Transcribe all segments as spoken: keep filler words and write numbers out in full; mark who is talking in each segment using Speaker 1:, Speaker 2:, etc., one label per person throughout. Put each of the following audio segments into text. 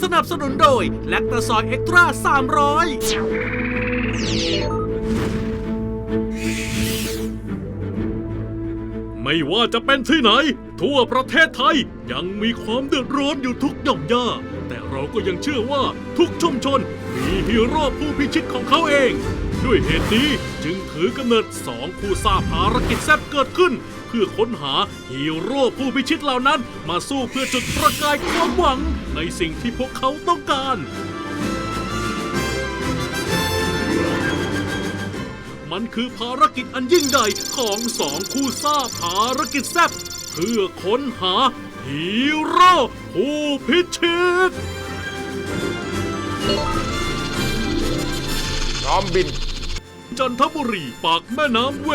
Speaker 1: สนับสนุนโดยแลคตาซอยเอ็กตร้าสามร้อยไม่ว่าจะเป็นที่ไหนทั่วประเทศไทยยังมีความเดือดร้อนอยู่ทุกหย่อมย่าแต่เราก็ยังเชื่อว่าทุกชุมชนมีฮีโร่ผู้พิชิตของเขาเองด้วยเหตุนี้จึงถือกำเนิดสองคู่ซ่าภารกิจแซ่บเกิดขึ้นเพื่อค้นหาฮีโร่ผู้พิชิตเหล่านั้นมาสู้เพื่อจุดประกายความหวังในสิ่งที่พวกเขาต้องการมันคือภารกิจอันยิ่งใหญ่ของสองคู่ซ่าภารกิจแซ่บเพื่อค้นหาฮีโร่ผู้พิชิต
Speaker 2: พร้อมบิน
Speaker 1: จันทบุรีปากแม่น้ำเวน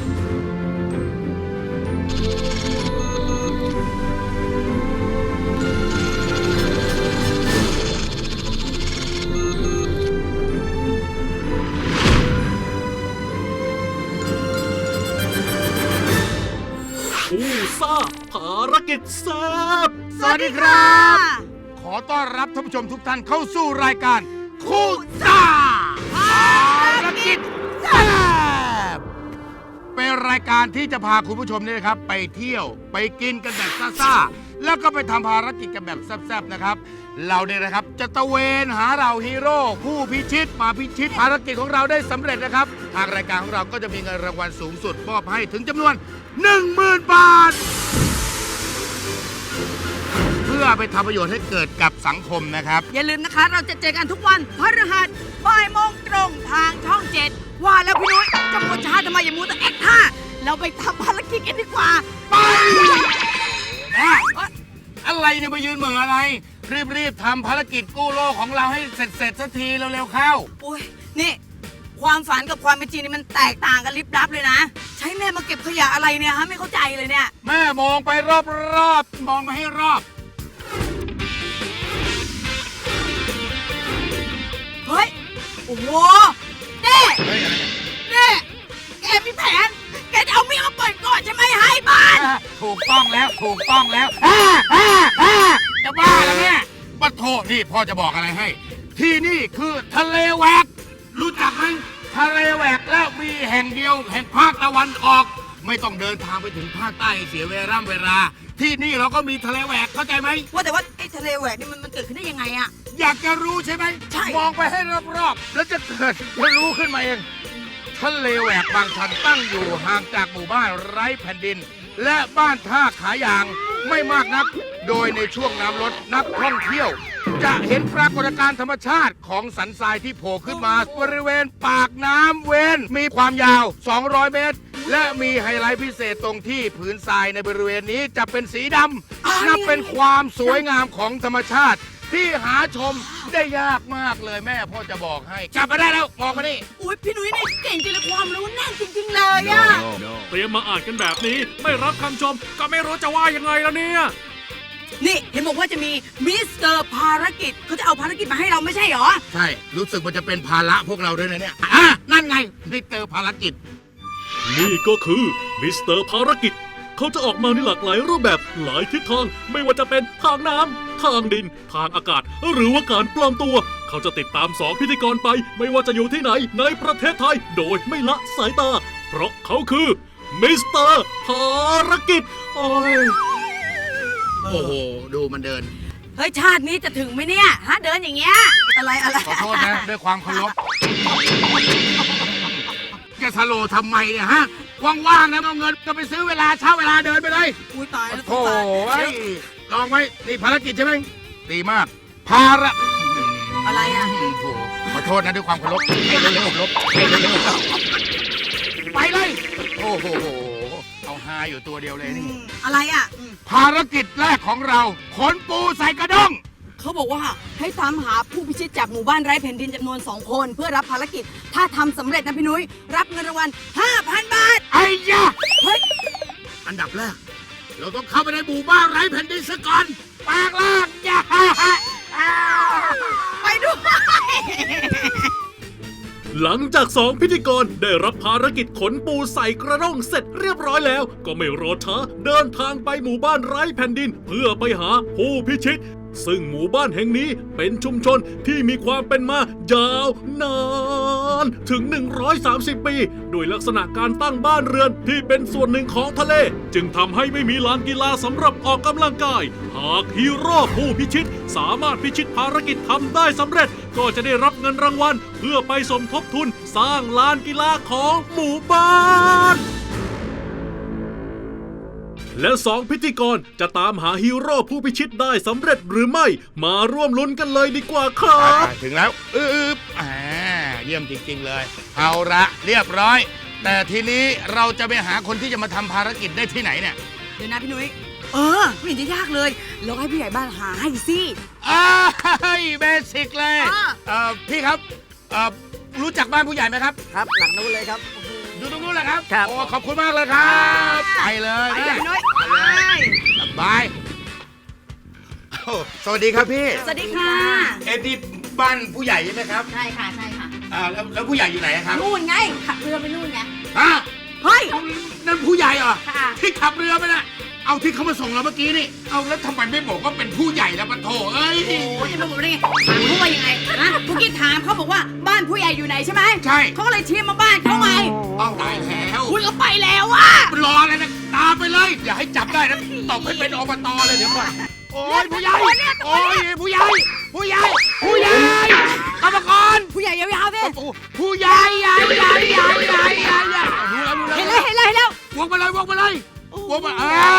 Speaker 1: คู่ซ่าภารกิจแซ่บ
Speaker 2: สวัสดีครับขอต้อนรับท่านผู้ชมทุกท่านเข้าสู่รายการคู่ซ่าภารกิจแซ่บเป็นรายการที่จะพาคุณผู้ชมนี่นะครับไปเที่ยวไปกินกันแบบซ่าๆแล้วก็ไปทำภารกิจกันแบบแซ่บๆนะครับเราเนี่ยนะครับจะตะเวนหาเราฮีโร่ผู้พิชิตมาพิชิตภารกิจของเราได้สำเร็จนะครับทางรายการของเราก็จะมีเงินรางวัลสูงสุดมอบให้ถึงจำนวน หนึ่งหมื่น บาทเพื่อไปทำประโยชน์ให้เกิดกับสังคมนะครับ
Speaker 3: อย่าลืมนะคะเราจะเจอกันทุกวันพฤหัสบ่ายโมงตรงทางช่องเจ็ดว่าแล้วพี่นุ้ยจะมัวช้าทำไมอย่ามัวแต่แอคท่าเราไปทำภารกิจกันดีกว่า
Speaker 2: ไปแม่อะไรเนี่ยมายืนเหมืออะไรรีบๆทำภารกิจกู้โลกของเราให้เสร็จเสร็จสักทีเร็วๆเข้า
Speaker 3: อุ้ยนี่ความฝันกับความเป็นจริงนี่มันแตกต่างกันลิบลับเลยนะใช้แม่มาเก็บขยะอะไรเนี่ยฮะไม่เข้าใจเลยเนี่ย
Speaker 2: แม่มองไปรอบๆมองมาให้รอบ
Speaker 3: เฮ้ยโอ้โหเน่เน่แกมีแผนแกจะเอาเมียมาเปิดก่อนใช่ไหมให้บ้าน
Speaker 2: ถูกต้องแล้วถูกต้องแล้วจะบ้าแล้วเนี่ยปะโถนี่พ่อจะบอกอะไรให้ที่นี่คือทะเลแหวกรู้จักไหมทะเลแหวกแล้วมีแห่งเดียวแห่งภาคตะวันออกไม่ต้องเดินทางไปถึงภาคใต้เสียเวลาเวลาที่นี่เราก็มีทะเลแหวกเข้าใจไหม
Speaker 3: ว่าแต่ว่าไอ้ทะเลแหวกนี่มันมันเกิดขึ้นได้ยังไงอะ
Speaker 2: อยากจะรู้ใช่ไหม
Speaker 3: ใช่
Speaker 2: มองไปให้รอบๆแล้วจะเกิดจะรู้ขึ้นมาเองทะเลแหวกบางชันตั้งอยู่ห่างจากหมู่บ้านไร้แผ่นดินและบ้านท่าขายางไม่มากนักโดยในช่วงน้ำลดนักท่องเที่ยวจะเห็นปรากฏการณ์ธรรมชาติของสันทรายที่โผล่ขึ้นมาบริเวณปากน้ำเวนมีความยาวสองร้อยเมตรและมีไฮไลท์พิเศษตรงที่ผืนทรายในบริเวณนี้จะเป็นสีดำนับเป็นความสวยงามของธรรมชาติที่หาชมได้ยากมากเลยแม่พ่อจะบอกให้จับมาได้แล้วมองมานี่
Speaker 3: อุ้ยพี่นุ้ยนี่เก่งจริงเลยความรู้แน่นจริงๆเลยอะ
Speaker 1: เตรียมมาอ่านกันแบบนี้ไม่รับคำชมก็ไม่รู้จะว่ายังไงแล้วเนี่ย
Speaker 3: นี่เห็นบอกว่าจะมีมิสเตอร์ภารกิจเขาจะเอาภารกิจมาให้เราไม่ใช่หรอ
Speaker 2: ใช่รู้สึกมันจะเป็นภาระพวกเราด้วยนะเนี่ยอ่ะนั่นไงมิสเตอร์ภารกิจ
Speaker 1: นี่ก็คือมิสเตอร์ภารกิจเขาจะออกมาในหลากหลายรูปแบบหลายทิศทางไม่ว่าจะเป็นทางน้ำทางดินทางอากาศหรือว่าการปลอมตัวเขาจะติดตามสองพิธีกรไปไม่ว่าจะอยู่ที่ไหนในประเทศไทยโดยไม่ละสายตาเพราะเขาคือมิสเตอร์ภารกิจโอ้ย
Speaker 2: โอ้โหดูมันเดิน
Speaker 3: เฮ้ยชาตินี้จะถึงไหมเนี่ยฮะเดินอย่างเงี้ยอะไรอะไร
Speaker 2: ขอโทษนะด้วยความเคารพแกสโลทำไมเนี่ยฮะว่างๆนะเอาเงินก็ไปซื้อเวลาเช่าเวลาเดินไปเลย
Speaker 3: อุ้ยตายแล้ว
Speaker 2: โอ้ยลองไว้นี่ภารกิจใช่ไหมดีมากภาระ
Speaker 3: อะไรอ่ะ
Speaker 2: ขอโทษนะด้วยความเคารพให้เร็วๆลบให้เร็วๆไปเลยโอ้โหเอาฮาอยู่ตัวเดียวเลยนี่
Speaker 3: อะไรอ่ะ
Speaker 2: ภารกิจแรกของเราขนปูใส่กระด้ง
Speaker 3: เขาบอกว่าให้ตามหาผู้พิชิตจากหมู่บ้านไร้แผ่นดินจำนวนสองคนเพื่อรับภารกิจถ้าทำสำเร็จนะพี่นุ้ยรับเงินรางวัล ห้าพัน บาท
Speaker 2: ไอ้ยะ
Speaker 3: เฮ้ย
Speaker 2: อันดับแรกเราต้องเข้าไปในหมู่บ้านไร้แผ่นดินซะก่อนแปลงร่างอย่า
Speaker 3: ไปด้วย
Speaker 1: หลังจากสองพิธีกรได้รับภารกิจขนปูใส่กระด้งเสร็จเรียบร้อยแล้วก็ไม่รอช้าเดินทางไปหมู่บ้านไร้แผ่นดินเพื่อไปหาผู้พิชิตซึ่งหมู่บ้านแห่งนี้เป็นชุมชนที่มีความเป็นมายาวนานถึง หนึ่งร้อยสามสิบ ปี โดยลักษณะการตั้งบ้านเรือนที่เป็นส่วนหนึ่งของทะเล จึงทำให้ไม่มีลานกีฬาสำหรับออกกำลังกาย หากฮีโร่ผู้พิชิตสามารถพิชิตภารกิจทำได้สำเร็จ ก็จะได้รับเงินรางวัลเพื่อไปสมทบทุนสร้างลานกีฬาของหมู่บ้าน และสองพิธีกรจะตามหาฮีโร่ผู้พิชิตได้สำเร็จหรือไม่มาร่วมลุ้นกันเลยดีกว่าครับ
Speaker 2: ถึงแล้วอึบอ่าเยี่ยมจริงๆเลย เอาละเรียบร้อย แต่ทีนี้เราจะไปหาคนที่จะมาทำภารกิจได้ที่ไหนเนี่ย
Speaker 3: เดี๋ยวนะพี่นุ้ยเออไม่เห็นจะยากเลยเราให้ผู้ใหญ่บ้านหาให้สิ
Speaker 2: อ้ายเบสิกเลย
Speaker 3: อ่า
Speaker 2: เอ่อพี่ครับเอ่อรู้จักบ้านผู้ใหญ่ไหมครับ
Speaker 4: ครับหลังนู้นเลยครับ
Speaker 2: อยู่ตรงนู้นแหละครับ
Speaker 4: ครับ
Speaker 2: โอ้ขอบคุณมากเลยครับไปเลย
Speaker 3: ไปเลยพี่นุ้ย
Speaker 2: ไปเลยสบายโอ้สวัสดีครับพี่
Speaker 3: สวัสดีค่ะ
Speaker 2: เอ็ดดี้บ้านผู้ใหญ่ใช่ไหมครับ
Speaker 5: ใช่ค่ะใช่ค่ะ
Speaker 2: อ่าแล้วแล้วผู้ใหญ่อยู่ไหนครับ
Speaker 5: นู่นไงขับเรือไปนู่นไง
Speaker 2: ฮะ
Speaker 3: เฮ้ย
Speaker 2: เอานั่นผู้ใหญ่เหรอ
Speaker 5: ค่ะ
Speaker 2: ที่ขับเรือไปน่ะเอาที่เขามาส่งเราเมื่อกี้นี่เอาแล้วทำไมไม่บอกว่าเป็นผู้ใหญ่แล้วปะโถเอ้ย
Speaker 3: โอ้ยจะมาบอกได้ไงถามเขาว่ายังไงนะเมื่อกี้ถามเขาบอกว่าบ้านผู้ใหญ่อยู่ไหนใช่ไหม
Speaker 2: ใช่
Speaker 3: เขาก็เลยชี้มาบ้านเขาไง
Speaker 2: เอาตายแล้ว
Speaker 3: คุณก็ไปแล้วอ่ะ
Speaker 2: รออะไรนะตามไปเลย อย่าให้จับได้นะตบให้เป็นอบตเลยเดี๋ยวก่อนโอ้ยผู้ใหญ่โอ้ยผู้ใหญ่ผู้ใหญ่ผู้ใหญ่กรรมกร
Speaker 3: ผู้ใหญ่ยาวๆสิ
Speaker 2: ผู้ใหญ่ใหญ่ใหญ่ใหญ่ใหญ่ใหญ่ใหญ่รู้แล้วรู้
Speaker 3: เห็น
Speaker 2: แล้
Speaker 3: แล้ว วเห็นแล้วเห็นแล้ว
Speaker 2: วงไปเลยวงไปเลยวงไปอ่า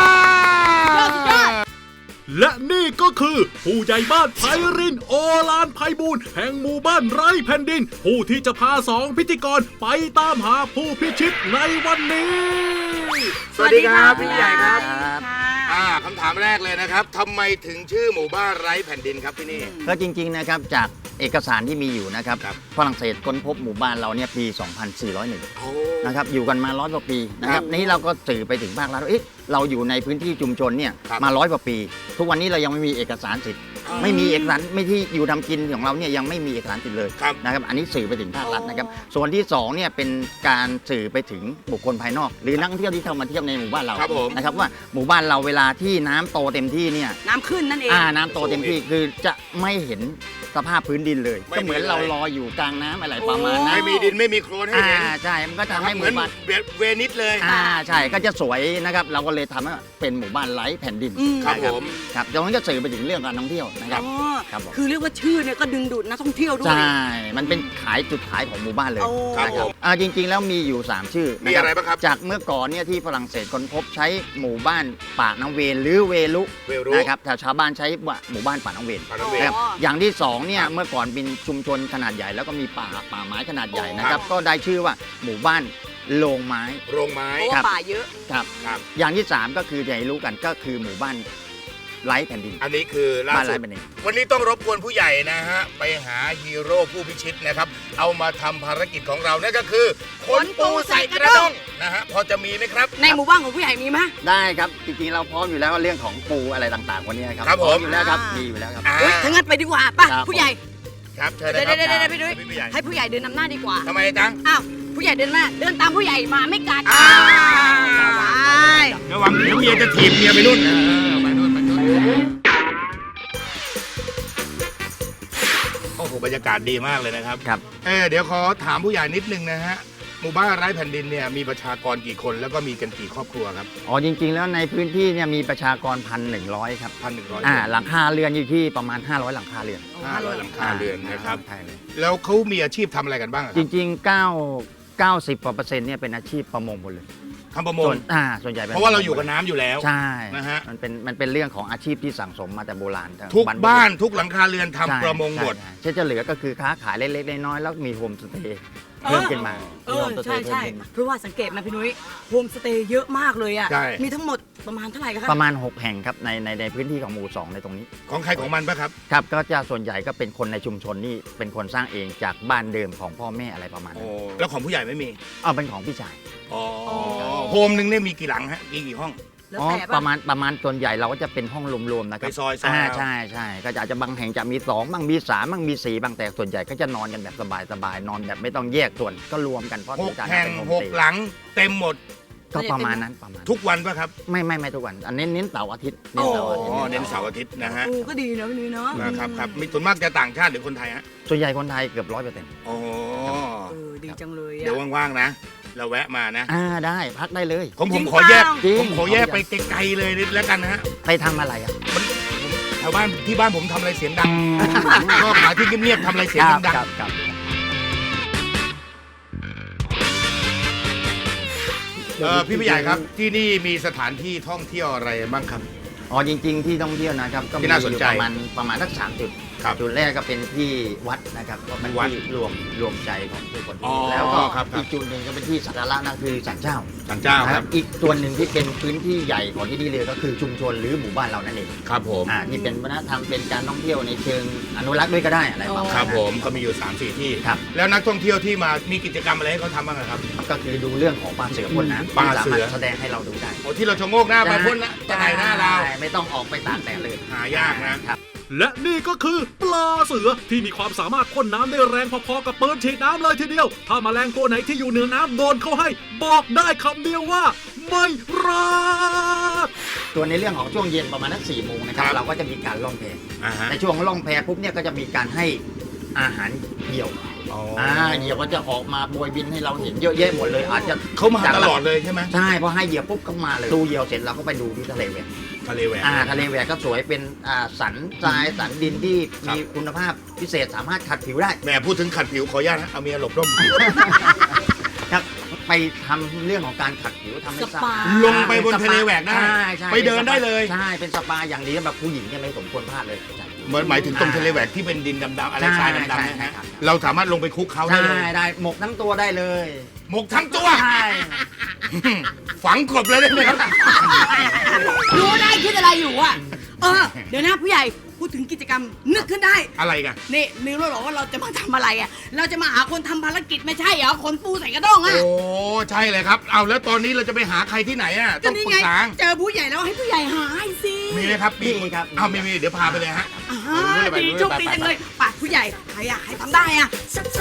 Speaker 1: และนี่ก็คือผู้ใหญ่บ้านไพรินทร์โอลานไพบูลย์แห่งหมู่บ้านไร้แผ่นดิน ผู้ที่จะพาสองพิธีกรไปตามหาผู้พิชิตในวันนี้
Speaker 2: สวัสดีครับพี่ใหญ่ครับ
Speaker 4: ครับ
Speaker 2: อ่าคำถามแรกเลยนะครับทำไมถึงชื่อหมู่บ้านไร้แผ่นดินครับที่นี่
Speaker 4: ก็จริงๆนะครับจากเอกสารที่มีอยู่นะครับ
Speaker 2: ครับ
Speaker 4: ฝรั่งเศสค้นพบหมู่บ้านเราเนี่ยปี สองพันสี่ร้อยเอ็ด
Speaker 2: โอ้
Speaker 4: นะครับอยู่กันมาร้อยกว่าปีนะค
Speaker 2: ครั
Speaker 4: รั
Speaker 2: บบ
Speaker 4: นี้เราก็สื่อไปถึงภาครัฐว่าเอ๊ะเราอยู่ในพื้นที่ชุมชนเนี่ย
Speaker 2: ครับ
Speaker 4: มาร้อยกว่าปี ทุกวันนี้เรายังไม่มีเอกสารสิทธิ์
Speaker 2: อ๋อ
Speaker 4: ไม่มีเอกสารไม่ที่อยู่ทำกินของเราเนี่ยยังไม่มีเอกสารสิทธิ์เลย
Speaker 2: ครับ
Speaker 4: นะครับอันนี้สื่อไปถึงภาครัฐนะครับส่วนที่สองเนี่ยเป็นการสื่อไปถึงบุคคลภายนอก หรือนักท่องเที่ยวที่เข้ามาเที่ยวในหมู่บ้านเรา
Speaker 2: ครับผม
Speaker 4: นะครับว่าหมู่บ้านเราเวลาที่น้ำโตเต็มที่เนี่ย
Speaker 3: น้ำขึ้นนั่นเอง
Speaker 4: อ่าน้ำโตเต็มที่คือจะไม่เห็นสภาพพื้นดินเลย
Speaker 2: ไม่
Speaker 4: ก็เหมือน
Speaker 2: มีเลย
Speaker 4: เราลอยอยู่กลางน้ำอะไรประมาณนั้น
Speaker 2: ไม่มีดินไม่มีโคลนให้
Speaker 4: อ่า
Speaker 2: เห็น
Speaker 4: ใช่มันก็ทำให้ห
Speaker 2: เหมือน
Speaker 4: มู่บ้าน
Speaker 2: เวนิสเลย
Speaker 4: อ่าใช่ก็จะสวยนะครับเราก็เลยทำให้เป็นหมู่บ้านไร้แผ่นดิน
Speaker 3: อืม
Speaker 2: ครับ
Speaker 4: นะ
Speaker 2: ผม
Speaker 4: ครับตรงนั้นก็สื่อไปถึงเรื่องการท่องเที่ยวนะครับ
Speaker 3: อ๋อ
Speaker 4: ครับผม
Speaker 3: คือเรียกว่าชื่อเนี่ยก็ดึงดูดนักท่องเที่ยวด้วย
Speaker 4: ใช่มันเป็นขายจุดขายของหมู่บ้านเลย
Speaker 3: โอ้
Speaker 2: ครับ
Speaker 4: นะ
Speaker 2: ผม
Speaker 4: อ่าจริงๆแล้วมีอยู่สามชื่อ
Speaker 2: มีอะไรบ้างครับ
Speaker 4: จากเมื่อก่อนเนี่ยที่ฝรั่งเศสค้นพบใช้หมู่บ้านปากน้ำเวนหรือเวลุ
Speaker 2: เวรุ
Speaker 4: นะครับแต่ชาวบ้านใช้ว่าหมู่บ้านปากน้ำเวน
Speaker 2: ปากน้ำเวน
Speaker 4: นะครับอย่างที่สองเนี่ยเมื่อก่อนเป็นชุมชนขนาดใหญ่แล้วก็มีป่าป่าไม้ขนาดใหญ่นะครับก็ได้ชื่อว่าหมู่บ้านโรงไม้
Speaker 2: โรงไม้
Speaker 3: เพราะ
Speaker 4: ครั
Speaker 3: ว่า
Speaker 4: บ
Speaker 3: ป่าเยอะ
Speaker 4: ครับ
Speaker 2: ครับ
Speaker 4: อย่างที่สามก็คืออย่างที่รู้กันก็คือหมู่บ้านไร้แผ่นดิน
Speaker 2: อันนี้คือล่า
Speaker 4: บ้าน
Speaker 2: สุ
Speaker 4: ไร้
Speaker 2: ด
Speaker 4: แผ่นดิน
Speaker 2: วันนี้ต้องรบกวนผู้ใหญ่นะฮะ ไปหาฮีโร่ผู้พิชิตนะครับ เอามาทำภารกิจของเรานั่นก็คือขนปูใส่กระด้งนะฮะ พอจะมีไหมครับ
Speaker 3: ในหมู่บ้านของผู้ใหญ่มีไหม
Speaker 4: ได้ครับจริงๆเราพร้อมอยู่แล้วเรื่องของปูอะไรต่างๆวันนี้ครับ
Speaker 2: ครับผม
Speaker 4: พร้ออยู่แล้วครับ
Speaker 3: อ่ามี
Speaker 4: มีอยู่แล้วครับ
Speaker 2: อ่า
Speaker 3: เฮ้ยถ้างั้นไปดีกว่าป่ะ
Speaker 4: ครับ
Speaker 3: ผู้ใหญ่
Speaker 2: ครับเชิญ
Speaker 3: เดี๋
Speaker 2: นะ
Speaker 3: ยว
Speaker 2: ครับ
Speaker 3: เดี๋ยวเดี๋ยวพี่นุ้ย
Speaker 2: ผู้ใหญ่
Speaker 3: ให้ผู้ใหญ่เดินนำหน้าดีกว่า
Speaker 2: ทำไมจัง
Speaker 3: อ้าวผู้ใหญ่เดินมาเดินตามผู้ใหญ่มาไม่กัด
Speaker 2: อ่า
Speaker 3: ไป
Speaker 2: ระวังเดี๋ยวเมียจะถีบเมียไปนู่นเออไปนู่นไปนู่นโอ้โหบรรยากาศดีมากเลยนะครับ
Speaker 4: ครับ
Speaker 2: เออเดี๋ยวขอถามผู้ใหญ่นิดนึงนะฮะ หมู่บ้านไร้แผ่นดินเนี่ยมีประชากรกี่คนแล้วก็มีกันกี่ครอบครัวครับ
Speaker 4: อ๋อจริงๆ แล้วในพื้นที่เนี่ยมีประชากรพันหนึ่งร้อยครับ
Speaker 2: พันหนึ่งร้อย
Speaker 4: อ่าหลังคาเรือนอยู่ที่ประมาณ ห้าร้อย หลังคาเรือน
Speaker 2: ห้าร้อยหลังคาเรือนนะครับ
Speaker 4: ใช่เลย
Speaker 2: แล้วเขามีอาชีพทำอะไรกันบ้างอะค
Speaker 4: จ
Speaker 2: รับ
Speaker 4: ริงๆ 9 เก้าสิบกว่าเปอร์เซ็นต์เนี่ยเป็นอาชีพประมงหมดเลย
Speaker 2: ทำประมง
Speaker 4: ส่วนอ่าส่วนใหญ่ป็น
Speaker 2: เพราะว่าเราอยู่กับน้ำอยู่แล้ว
Speaker 4: ใช่
Speaker 2: นะฮะ
Speaker 4: มันเป็นมันเป็นเรื่องของอาชีพที่สั่งสมมาแต่โบราณ
Speaker 2: ทุก
Speaker 4: รพบุรุษ
Speaker 2: บ้านทุกหลังคาเรือนทำ
Speaker 4: ใช่
Speaker 2: ประมงหมด
Speaker 4: ใช่ใช่จะเหลือก็คือค้าขายเล็กๆน้อยๆแล้วมีโฮมสเตย์เพิ่มขึ้นมา
Speaker 3: เออใช่ใช่เพราะว่าสังเกตไหมพี่นุ้ยโฮมสเตย์เยอะมากเลยอ่ะ
Speaker 2: ใช่
Speaker 3: มีทั้งหมดประมาณเท่าไหร่ครับ
Speaker 4: ประมาณ หก แห่งครับในในในพื้นที่ของหมู่สองในตรงนี้
Speaker 2: ของใครของมันปะครับ
Speaker 4: ครับก็จะส่วนใหญ่ก็เป็นคนในชุมชนนี่เป็นคนสร้างเองจากบ้านเดิมของพ่อแม่อะไรประมาณนั้น
Speaker 2: แล้วของผู้ใหญ่ไม่มี
Speaker 4: เอาเป็นของพี่ชาย
Speaker 2: อ๋อโฮมหนึ่งเนี่ยมีกี่หลังฮะมีกี่ห้อง
Speaker 3: แล้ว
Speaker 4: อ๋อ
Speaker 3: แต่
Speaker 4: ป
Speaker 3: ป่ะ
Speaker 4: ระมาณประมาณส่วนใหญ่เราก็จะเป็นห้องรวมๆนะครับ
Speaker 2: ไปซอยซอย
Speaker 4: อ่า
Speaker 2: เอา
Speaker 4: ใช่ใช่ก็จะอาจจะบางแห่งจะมีสองบ้างมีสามบ้างมีสี่บางแต่ส่วนใหญ่ก็จะนอนกันแบบสบายๆนอนแบบไม่ต้องแยกส่วนก็รวมกันเพราะ
Speaker 2: หก
Speaker 4: การ
Speaker 2: แห่ง
Speaker 4: เป็นโฮม
Speaker 2: ห
Speaker 4: ส
Speaker 2: ก
Speaker 4: เตย์
Speaker 2: หลังเต็มหมด
Speaker 4: ก็ประมาณนั้นประมาณ
Speaker 2: ทุกวันป่ะครับ
Speaker 4: ไม่ไม่ไม่ทุกวันอันเน้นเน้นเสาร์อาทิตย์เน้น
Speaker 3: โอ้
Speaker 4: เสาร์อาทิต
Speaker 2: อ๋อ
Speaker 4: ย์
Speaker 2: เน้นเสาร์อาทิตย์นะฮะ
Speaker 3: เออก็ดีนะพี่นุ้ยเนาะ
Speaker 2: นะครับครับมีส่วนมากจะต่างชาติหรือคนไทยฮะ
Speaker 4: ส่วนใหญ่คนไทยเกือบร้อยเปอร์เซ็นต์
Speaker 2: อ๋อ
Speaker 3: เออดีจังเลย
Speaker 2: เดี๋ยว
Speaker 3: อะ
Speaker 2: ว่างๆนะ เราแวะมานะ
Speaker 4: อ่าได้พักได้เลย
Speaker 2: ผมผ
Speaker 3: จริ
Speaker 2: ม
Speaker 3: ง
Speaker 2: ขอแยก
Speaker 3: เปล่า
Speaker 2: ผมขอแยกไปไกลๆเลยนิดแล้วกันนะฮะ
Speaker 4: ไปทำอะไรอ่ะ
Speaker 2: แถวบ้านที่บ้านผมทำอะไรเสียงดัง ชอบหาที่เงียบๆทำอะไรเสียงดัง
Speaker 4: ครับครับ
Speaker 2: ๆเออพี่ผู้ใหญ่ครับ ที่นี่มีสถานที่ท่องเที่ยวอะไรบ้างครับ
Speaker 4: อ๋อจริง ๆ ที่ท่องเที่ยวนะครับก็มี
Speaker 2: ที่น่าสน
Speaker 4: อยู่
Speaker 2: ใจ
Speaker 4: ประมาณประมาณสักสามจุด
Speaker 2: ครับ
Speaker 4: จุดแรกก็เป็นที่วัดนะครับก็เป็น
Speaker 2: วัด
Speaker 4: ที่รวมรวมใจของผู้คน
Speaker 2: อ๋อ
Speaker 4: แล้วก็
Speaker 2: ครับครับ
Speaker 4: อีกจุดหนึ่งก็เป็นที่สักการะนั่นคือศาลเจ้า
Speaker 2: ศาลเจ้าครับ
Speaker 4: อีกส่วนหนึ่งที่เป็นพื้นที่ใหญ่ของที่นี่เลยก็คือชุมชนหรือหมู่บ้านเรานั่นเอง
Speaker 2: ครับผม
Speaker 4: อ่าที่เป็นวัฒนธรรมเป็นการท่องเที่ยวในเชิงอนุรักษ์ด้วยก็ได้อะไรประมาณ
Speaker 2: ค
Speaker 4: นั้น
Speaker 2: รับผมก็มีอยู่สามสี่ที่
Speaker 4: ครับ
Speaker 2: แล้วนักท่องเที่ยวที่มามีกิจกรรมอะไรให้เขาทำบ้างอะครับ
Speaker 4: ก็คือดูเรื่องของปลาเสือพ่นน้ำ
Speaker 2: ปลา
Speaker 4: ที่สา
Speaker 2: เสื
Speaker 4: มาร
Speaker 2: อ
Speaker 4: ถแสดงให้เราดูได้
Speaker 2: โอ้ที่เราชะโงกหน้าไปพ่นนะจะไหนหน้าเรา
Speaker 4: ใช่ไม่ต้องออกไปตากแดดเลย
Speaker 2: หายากนะ
Speaker 4: ครับ
Speaker 1: และนี่ก็คือปลาเสือที่มีความสามารถพ่นน้ำได้แรงพอๆกับปืนฉีดน้ำเลยทีเดียว ถ้าแมลงตัวไหนที่อยู่เหนือน้ำโดนเข้าให้ บอกได้คำเดียวว่า ไม่รอด
Speaker 4: ส่วนในเรื่องของช่วงเย็นประมาณนักสี่โมงนะครับ
Speaker 2: ครับ
Speaker 4: เราก็จะมีการล่องแพ
Speaker 2: อ่าฮะ
Speaker 4: ในช่วงล่องแพปุ๊บเนี่ยก็จะมีการให้อาหารเหยี่ยว
Speaker 2: อ๋อ
Speaker 4: อ่าเหยี่ยวก็จะออกมาโบยบินให้เราเห็นเยอะแยะหมดเลย อาจจะ
Speaker 2: เขามาตลอดเลยใช่ไหม
Speaker 4: ใช่พอให้เหยี่ยวปุ๊บก็มาเลยดูเหยี่ยวเสร็จเราก็ไปดูที่ทะเลแหวก
Speaker 2: ทะเลแหวก
Speaker 4: อ่าทะเลแหวกก็สวยเป็นอ่าสันทรายสันดินที่มีคุณภาพพิเศษสามารถขัดผิวได้
Speaker 2: แหมพูดถึงขัดผิวขออนุญาตนะเอาเมียหลบร่ม
Speaker 4: ครับไปทำเรื่องของการขัดผิวทำให้
Speaker 3: สปา
Speaker 2: ลงไปบนทะเลแหวกได้
Speaker 4: ใช่ใช่
Speaker 2: ไปเดินได้เลย
Speaker 4: ใช่เป็นสปาอย่างดีสำหรับผู้หญิงเนี่ยไม่สมควรพลาดเลยใช่
Speaker 2: เหมือนหมายถึงตรงทะเลแหวกที่เป็นดินดำๆอะไร
Speaker 4: ใช่
Speaker 2: ทรายดำๆ
Speaker 4: ใช่
Speaker 2: นะฮะ
Speaker 4: ครับ
Speaker 2: เราสามารถลงไปคลุกเขาได้
Speaker 4: ใช่
Speaker 2: เลย
Speaker 4: ได้หมกทั้งตัวได้เลย
Speaker 2: หมกทั้งตัว
Speaker 4: ใช่
Speaker 2: ฝังกบเลยได้ไหมครับ
Speaker 3: รู้ได้คิดอะไรอยู่อ่ะ เออ เดี๋ยวนะผู้ใหญ่พูดถึงกิจกรรมนึกขึ้นได้
Speaker 2: อะไรกัน
Speaker 3: นี่นึกแล้วเหรอว่าเราจะมาทำอะไรอ่ะ เราจะมาหาคนทำภารกิจไม่ใช่เหรอคนปูใส่กระด้งอ่ะ
Speaker 2: โอ้ใช่เลยครับ เอาแล้วตอนนี้เราจะไปหาใครที่ไหนอ่ะ
Speaker 3: ก็
Speaker 2: ต้อง
Speaker 3: นี่
Speaker 2: ปรึ
Speaker 3: ไง
Speaker 2: กษา
Speaker 3: เจอผู้ใหญ่แล้วให้ผู้ใหญ่หาให้สิ
Speaker 2: มีไหมครับ
Speaker 4: มีครับ
Speaker 2: เอามีมีเดี๋ยวพาไปเลยฮะ
Speaker 3: อ่า
Speaker 2: ไป
Speaker 3: ดี
Speaker 2: ไป
Speaker 3: โชคดีจังเลยป่ะผู้ใหญ่ใครอยากให้ทำได้อ่ะ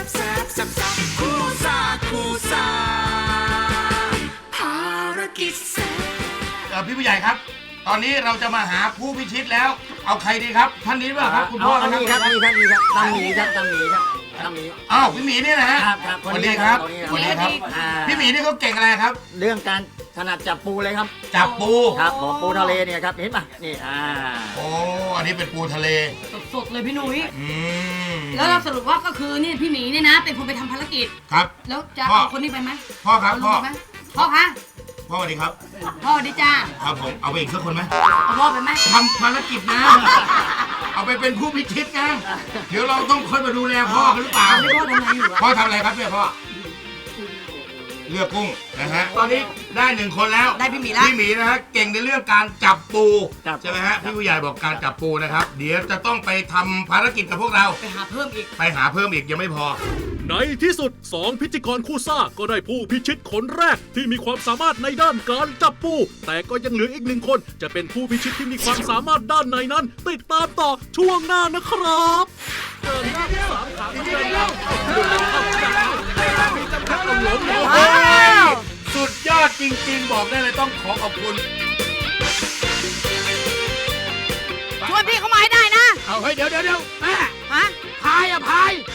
Speaker 2: เออพี่ผู้ใหญ่ครับ ตอนนี้เราจะมาหาผู้พิชิตแล้ว เอาใครดีครับ ท่านนี้หรือเปล่าครับ คุณพ่อ
Speaker 4: เอานี่ครับนี่ครับนี่ครับตั้งหมีครับตั้งหมีครับตั้งหมี
Speaker 2: อ้าวพี่หมีนี่นะฮะ
Speaker 4: ครับครับ
Speaker 2: สวัสดีครับ
Speaker 4: คนนี้
Speaker 2: สวัสดีครับ
Speaker 4: อ่า
Speaker 2: พี่หมีนี่เขาเก่งอะไรครับ
Speaker 4: เรื่องการถนัดจับปูเลยครับ
Speaker 2: จับปู
Speaker 4: ครับผมปูทะเลเนี่ยครับเห็นป่ะนี่อ่า
Speaker 2: โอ้อันนี้เป็นปูทะเล
Speaker 3: สดๆเลยพี่หนุ่ย
Speaker 2: อืม
Speaker 3: แล้วเราสรุปว่าก็คือนี่พี่หมีเนี่ยนะ เป็นคนไปทำภารกิจ
Speaker 2: ครับ
Speaker 3: แล้วจะ
Speaker 2: พ่อ
Speaker 3: เอาคนนี้ไปไหม
Speaker 2: พ่อครับ
Speaker 3: เอาลู
Speaker 2: พ่อก
Speaker 3: ไปไหมพ่อคะ
Speaker 2: พ่อสวัสดีครับ
Speaker 3: พ่อดีจ้า
Speaker 2: ครับผมเอาไปอีกสักคนไหม
Speaker 3: เอาพ่อไปไหม
Speaker 2: ทำภารกิจนะ เอาไปเป็นผู้พิชิตนะ เดี๋ยวเราต้องค่อยมาดูแลพ่อกันหรือเปล่า
Speaker 3: ไม่พ่อทำอะไรอยู่อะ
Speaker 2: พ่อทำอะไรครับเนี่ยพ่อ เลือกกุ้งนะฮะ ตอนนี้ได้หนึ่งคนแล้ว
Speaker 3: ได้พี่หมีแล้ว
Speaker 2: พี่หมีนะฮะเก่งในเรื่องการจับปู
Speaker 4: ครับ
Speaker 2: ใช่ไหมฮะพี่ผู้ใหญ่บอกการจับปูนะครับ เดี๋ยวจะต้องไปทำภารกิจกับพวกเรา
Speaker 3: ไปหาเพิ่มอีก
Speaker 2: ไปหาเพิ่มอีกยังไม่พอ
Speaker 1: ในที่สุดสองพิธีกรคู่ซ่าก็ได้ผู้พิชิตคนแรกที่มีความสามารถในด้านการจับปู แต่ก็ยังเหลืออีกหนึ่งคน จะเป็นผู้พิชิตที่มีความสามารถด้านไหนนั้น ติดตามต่อช่วงหน้านะครับเดินหน้าสามขาเดินหน้าเข้าเดินหน้าเข้าจากเขามีจำกัดเอาหลงเอา
Speaker 2: โอ้ยสุดยอดจริง ๆ บอกได้เลยต้องขอขอบคุณ
Speaker 3: ชวนพี่เขามาให้ได้นะ
Speaker 2: เอาเฮ้ยเดี๋ยวเดี๋ยวเดี๋ยวแม่
Speaker 3: ฮะ
Speaker 2: พายอะพาย